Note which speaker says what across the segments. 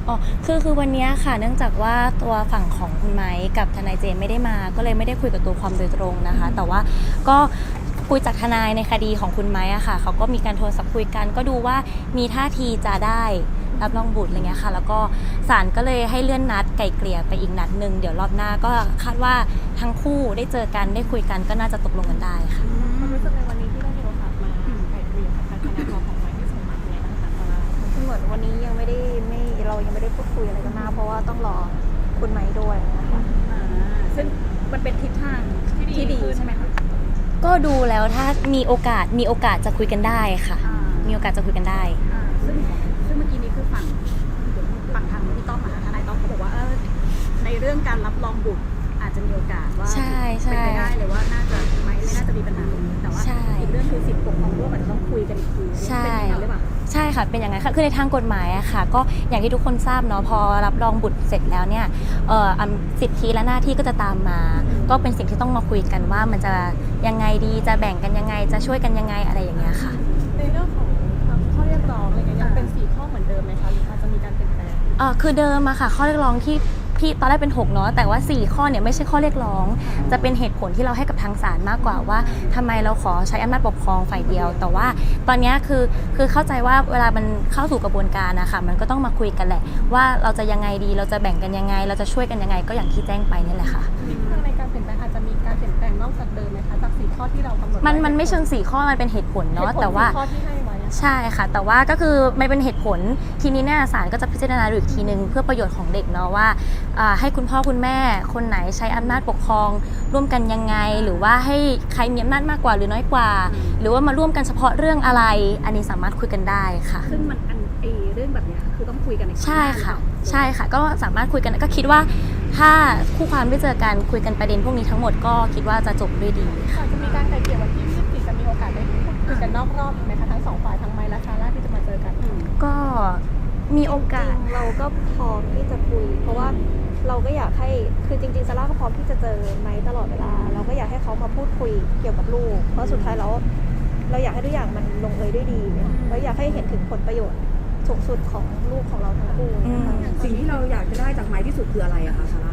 Speaker 1: อ๋อคือวันนี้ค่ะเนื่องจากว่าตัวฝั่งของคุณไม้กับทนายเจมไม่ได้มาก็เลยไม่ได้คุยกับตัวความโดยตรงนะคะแต่ว่าก็คุยจากทนายในคดีของคุณไม้อะค่ะเขาก็มีการโทรศัพท์คุยกันก็ดูว่ามีท่าทีจะได้รับรองบุตรอะไรเงี้ยค่ะแล้วก็ศาลก็เลยให้เลื่อนนัดไกล่เกลี่ยไปอีกนัดนึงเดี๋ยวรอบหน้าก็คาดว่าทั้งคู่ได้เจอกันได้คุยกันก็น่าจะตกลงกันได้ค่ะ
Speaker 2: ความรู้สึกในวันนี้ที่ได้มีโอกาสมาไกล่เกลี่ยกับทางคณะของไม้ที่ส่งมาเป็นไงบ้างคะซาร่า
Speaker 3: เหมือนวันนี้ยังไม่ได้เรายังไม่ได้พูดคุยอะไรกันมากเพราะว่าต้องรอคุณไม้ด้วยนะคะ
Speaker 2: ซึ่งมันเป็นทิศทางที่ดีใช่ไหมคะ
Speaker 1: ก็ดูแล้วถ้ามีโอกาสจะคุยกันได้ค่ะมีโอกาสจะคุยกันได้
Speaker 2: ซึ่งเมื่อกี้นี้คือฝั่งทางพี่ต้อมทนายต้อมเขาบอกว่าในเรื่องการรับรองบุตรอาจจะมีโอกาสว่าเป็นไปได้เลยว่าน่าจะไม่น่าจะมีปัญหาตรงนี้แต่ว่าอีกเรื่องคือสิทธิปกครองร่วมอาจจะต้องคุยกันอีกทีเป็นอย่างนั้นหรือเปล่า
Speaker 1: ใช่ค่ะเป็นอย่างนั้นค่ะคือในทางกฎหมายอะค่ะก็อย่างที่ทุกคนทราบเนาะพอรับรองบุตรเสร็จแล้วเนี่ยสิทธิและหน้าที่ก็จะตามมาก็เป็นสิ่งที่ต้องมาคุยกันว่ามันจะยังไงดีจะแบ่งกันยังไงจะช่วยกันยังไงอะไรอย่างเงี้ยค่ะ
Speaker 2: ในเรื่องของข้อเรียกร้องอะไรเงี้ยยังเป็น4ข้อเหมือนเดิมไหมคะหรืออาจจะมีการเปลี่ยนแปลง
Speaker 1: คือเดิมอะค่ะข้อเรียกร้องที่พี่ตอนแรกเป็น6เนาะแต่ว่า4ข้อเนี่ยไม่ใช่ข้อเรียกร้องจะเป็นเหตุผลที่เราให้กับทางศาลมากกว่าว่าทำไมเราขอใช้อำนาจปกครองฝ่ายเดียวแต่ว่าตอนนี้คือเข้าใจว่าเวลามันเข้าสู่กระบวนการนะคะมันก็ต้องมาคุยกันแหละว่าเราจะยังไงดีเราจะแบ่งกันยังไงเราจะช่วยกันยังไงก็อย่างที่แจ้งไปนี่แหละค่ะ
Speaker 2: ในการเปลี่ยนแปลงอาจจะมีการเปลี่ยนแปลงนอกจากเดิมไหมคะจาก4ข้อที่เรากำหนด
Speaker 1: มันไม่เชิง4ข้อมันเป็นเหตุผลเนาะแต่ว่า
Speaker 2: ข้อที่ให้ไว้
Speaker 1: ใช่ค่ะแต่ว่าก็คือมันเป็นเหตุผลทีนี้เนี่ยศาลก็จะพิจารณาดูอีกทีนึงเพื่อประโยชน์ของเด็กเนาะว่าให้คุณพ่อคุณแม่คนไหนใช้อำนาจปกครองร่วมกันยังไงหรือว่าให้ใครมีอำนาจมากกว่าหรือน้อยกว่าหรือว่ามาร่วมกันเฉพาะเรื่องอะไรอันนี้สามารถคุยกันได้ค่ะ
Speaker 2: ซึ่งมันเรื่องแบบนี้คือต้องคุยกัน
Speaker 1: ใช่ค่ะก็สามารถคุยกันก็คิดว่าถ้าคู่ความได้เจอกันคุยกันประเด็นพวกนี้ทั้งหมดก็คิดว่าจะจบด้วยดี
Speaker 2: ค่ะจะมีการไกล่เกลี่ยวันที่24จะมีโอกาสได้คุยกันนอกรอบอีกไหมคะทั้ง2ฝ่ายทั้งไมค์และซาร่าที่จะมาเจอกัน
Speaker 1: ก็มีโอกาส
Speaker 3: เราก็พร้อมที่จะคุยเพราะว่าเราก็อยากให้คือจริงๆซาร่าก็พร้อมที่จะเจอไมค์ตลอดเวลาเราก็อยากให้เขามาพูดคุยเกี่ยวกับลูกเพราะสุดท้ายแล้วเราอยากให้ทุกอย่างมันลงเอยด้วยดีแล้วอยากให้เห็นถึงผลประโยชน์สูงสุดของลูกของเราทั้งคู่
Speaker 4: สิ่งที่เราอยากจะได้จากไม้ที่สุดคืออะไรอะคะซาร่า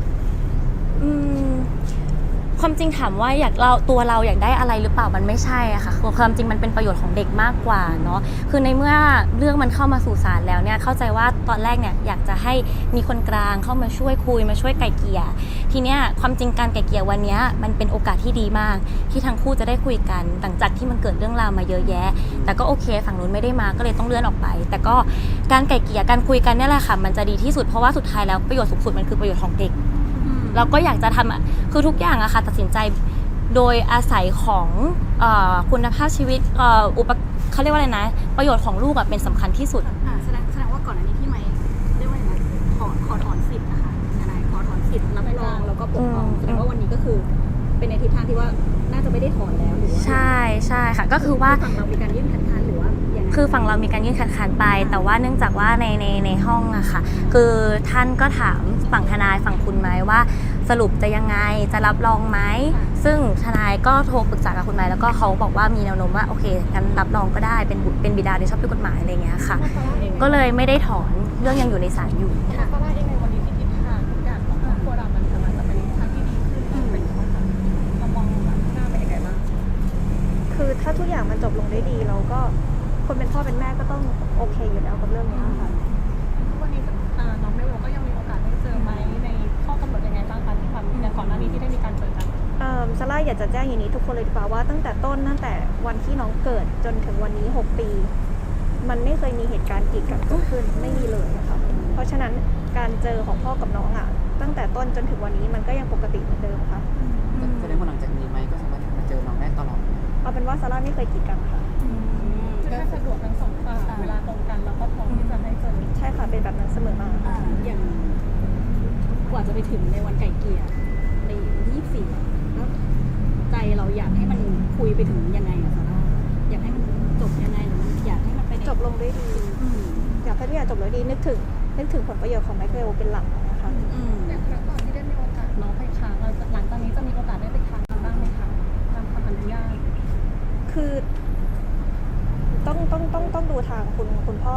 Speaker 1: ความจริงถามว่าตัวเราอยากได้อะไรหรือเปล่ามันไม่ใช่อะค่ะความจริงมันเป็นประโยชน์ของเด็กมากกว่าเนาะคือในเมื่อเรื่องมันเข้ามาสู่ศาลแล้วเนี่ยเข้าใจว่าตอนแรกเนี่ยอยากจะให้มีคนกลางเข้ามาช่วยคุยมาช่วยไกล่เกลี่ยทีเนี้ยความจริงการไกล่เกลี่ยวันนี้มันเป็นโอกาสที่ดีมากที่ทั้งคู่จะได้คุยกันหลังจากที่มันเกิดเรื่องราวมาเยอะแยะแต่ก็โอเคฝั่งนู้นไม่ได้มาก็เลยต้องเลื่อนออกไปแต่ก็การไกล่เกลี่ยการคุยกันนี่แหละค่ะมันจะดีที่สุดเพราะว่าสุดท้ายแล้วประโยชน์สูงสุดมันคือประโยชน์ของเด็กเราก็อยากจะทำคือทุกอย่างอะค่ะตัดสินใจโดยอาศัยของคุณภาพชีวิตเขาเรียกว่าอะไรนะประโยชน์ของลูกเป็นสำคัญที่สุด
Speaker 2: แสดงว่าก่อนอันนี้ที่ไม่เรียกว่าอย่างไรขอถอนสิทธิ์นะคะทนายขอถอนสิทธิ์รับรองแล้วก็ปกครองแสดงว่าวันนี้ก็คือเป็นในทิศทางที่ว่าน่าจะไม่ได้ถอนแล้วหรือว่า
Speaker 1: ใช่ค่ะก็คือว่า
Speaker 2: ฝั่งเรามีการยื่นคัดค้านหรือว่า
Speaker 1: คือฝั่งเรามีการยื่นคัดค้านไปแต่ว่าเนื่องจากว่าในห้องอะค่ะคือท่านก็ถามฝั่งทนายฝั่งคุณไหมว่าสรุปจะยังไงจะรับรองไหมซึ่งทนายก็โทรปรึกษากับคุณไหมแล้วก็เขาบอกว่ามีแนวโน้มว่าโอเคกันรับรองก็ได้เป็นบิดาโดยชอบด้วยกฎหมายอะไรเงี้ยค่ะก็เลยไม่ได้ถอนเรื่องยังอยู่ในศาลอยู่
Speaker 2: ค่ะก็ว่าเองในวันนี้ที่ทิศทางทุกอย่างของครอบครัวเรามันจะเป็นทางที่ดีขึ้นเป็นเรามองแบบหน้าเป็นยังไงบ้าง
Speaker 3: คือถ้าทุกอย่างมันจบลงได้ดีเราก็คนเป็นพ่อเป็นแม่ก็ต้องโอเคอยู่แล้วกับเรื่องนี้ค่ะ
Speaker 2: วันนี้น้องเมลก็ยังมีโอกาสได้เจอไหมในข้อกำหนดยังไงบ้างคะที่ความแต่ก่อนหน้านี้ที่ได้มีการเจอกัน
Speaker 3: ซาร่าอยากจะแจ้งอย่างนี้ทุกคนเลยดีกว่าว่าตั้งแต่วันที่น้องเกิดจนถึงวันนี้6 ปีมันไม่เคยมีเหตุการณ์กีดกันเกิดขึ้นไม่มีเลยนะคะเพราะฉะนั้นการเจอของพ่อกับน้องตั้งแต่ต้นจนถึงวันนี้มันก็ยังปกติเหมือนเดิมค่ะ
Speaker 5: แสดงว่าหลังจากนี้ไหมก็สามารถมาเจอน้องได้ตลอด
Speaker 3: เอาเป็นว่าซาร่าไม่เคยกีดกันค่ะ
Speaker 2: ถ้าสะดวกทั้ง2 ฝ่ายเวลาตรงกันเราก็พร้อมที่จะให้เจอ
Speaker 3: ใช่ค่ะเป็นแบบนั้นเสมอมา
Speaker 2: อย่างกว่าจะไปถึงในวันไก่เกลี่ยใน24แล้วใจเราอยากให้มันคุยไปถึงยังไงอะซาร่าอยากให้มันจบยังไงหรือมันอยากให้มันไป
Speaker 3: จบลงด้วยดีอยากให้ทุกอย่างจบลงดีนึกถึงผลประโยชน์ของไมเคิลเป็นหลักนะคะ
Speaker 2: แต่ครั้งก่อนที่ได้มีโอกาสน้องไปค้างเราหลังจากนี้จะมีโอกาสได้ไปค้างบ้างไหมคะตามคำอนุญาต
Speaker 3: คือต้องดูทางคุณพ่อ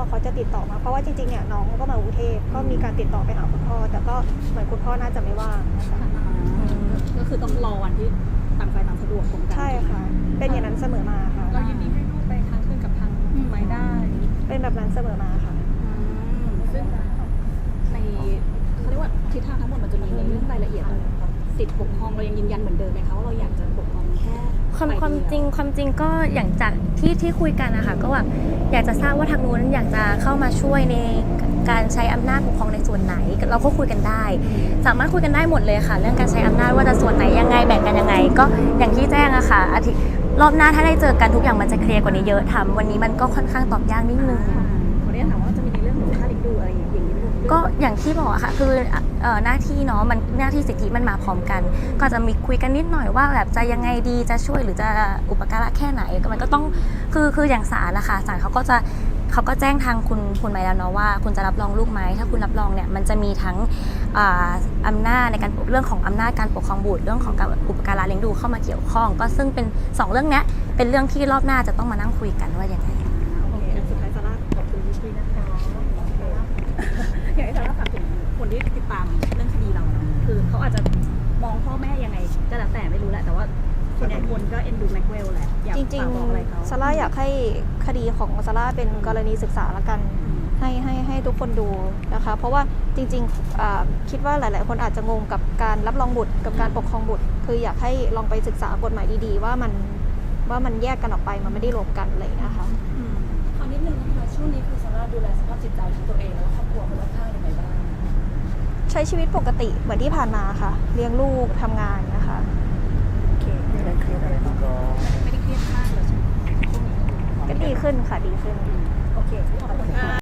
Speaker 3: เขาจะติดต่อมาเพราะว่าจริงๆเนี่ยน้องก็มากรุงเทพก็มีการติดต่อไปหาคุณพ่อแต่ก็เหมือนคุณพ่อน่าจะไม่ว่างนะคะ
Speaker 2: ก็คือต้องรอวันที่ต่างฝ่ายต่างสะดวกตรงกัน
Speaker 3: ใช่ค่ะ เป็นอย่างนั้นเสมอมาค่ะ
Speaker 2: เรายินดีให้ลูกไปทางคืนกับทางไม้ได้
Speaker 3: เป็นแบบนั้นเสมอมาค่ะ
Speaker 2: ซึ่งในเขาเรียกว่าทิศทางทั้งหมดมันจะมีในเรื่องรายละเอียดสิทธิปกครองเรายังยืนยันเหมือนเดิมไหมคะว่าเราอยากจะปกครองแค่
Speaker 1: ความจริงก็อย่างจากที่คุยกันนะคะก็แบบอยากจะทราบว่าทางนู้นอยากจะเข้ามาช่วยในการใช้อำนาจปกครองในส่วนไหนเราก็คุยกันได้ สามารถคุยกันได้หมดเลยค่ะ เรื่องการใช้อำนาจว่าจะส่วนไหนยังไงแบ่งกันยังไง ก็อย่างที่แจ้งอะค่ะรอบหน้าถ้าได้เจอกันทุกอย่างมันจะเคลียร์กว่านี้เยอะทำวันนี้มันก็ค่อนข้างตอบยากนิดนึง
Speaker 2: ขออนุญาตถามว่าจะมีในเรื่องของค่าเลี้ยงดูอะไรอย่างนี้ไหมลูก
Speaker 1: ก็อย่างที่บอกอะค่ะคือหน้าที่เนาะมันหน้าที่สิทธิมันมาพร้อมกัน ก็จะมีคุยกันนิดหน่อยว่าแบบจะยังไงดีจะช่วยหรือจะอุปการะแค่ไหนก็มันก็ต้องคืออย่างศาลนะคะศาลเขาก็แจ้งทางคุณไมแล้วเนาะว่าคุณจะรับรองลูกไหมถ้าคุณรับรองเนี่ยมันจะมีทั้งอำนาจในการเรื่องของอำนาจการปกครองบุตรเรื่องของการอุปการะเลี้ยงดูเข้ามาเกี่ยวข้อง ก็ซึ่งเป็น2เรื่องเนี้ยเป็นเรื่องที่รอบหน้าจะต้องมานั่งคุยกันว่ายังไง
Speaker 2: โอเคสุดท้ายซาร่าขอบคุณพี่นะคะอยากให้ซาร่าฝากถึงคนที่ติดตามเรื่องคดีเราเนาะคือเขาอาจจะมองพ่อแม่ยังไงก็แล้วแต่ไม่รู้แหละแต่ว่าส่วนใหญ่คนก็เอ็นดูแม็กเวลแหละอยาก
Speaker 3: จริง
Speaker 2: ฝากบอกอะไรเขา
Speaker 3: ๆซาร่าอยากให้คดีของซาร่าเป็นกรณีศึกษาละกัน ให้ทุกคนดูนะคะ เพราะว่าจริงๆคิดว่าหลายๆ คนอาจจะงงกับการรับรองบุตรกับการปกครองบุตร คืออยากให้ลองไปศึกษากฎหมายดีๆ ว่ามันแยกกันออกไปมันไม่ได้รวมกันอะไรอย่างเลยนะคะ
Speaker 4: ขอนิดนึงนะคะช่วงนี้คือซาร่าดูแลสภาพจิตใจของตัวเองและครอบครัวคนรอบข้างยังไงบ้าง
Speaker 3: ใช้ชีวิตปกติเหมือนที่ผ่านมาค่ะ เลี้ยงลูกทำงานนะคะ
Speaker 2: โอเคไม่ได้เครียดมากเลยใช่ไหมช่วงนี้
Speaker 3: ก็ดีขึ้นค่ะดีขึ้น
Speaker 2: โอเคขอบคุณค่ะ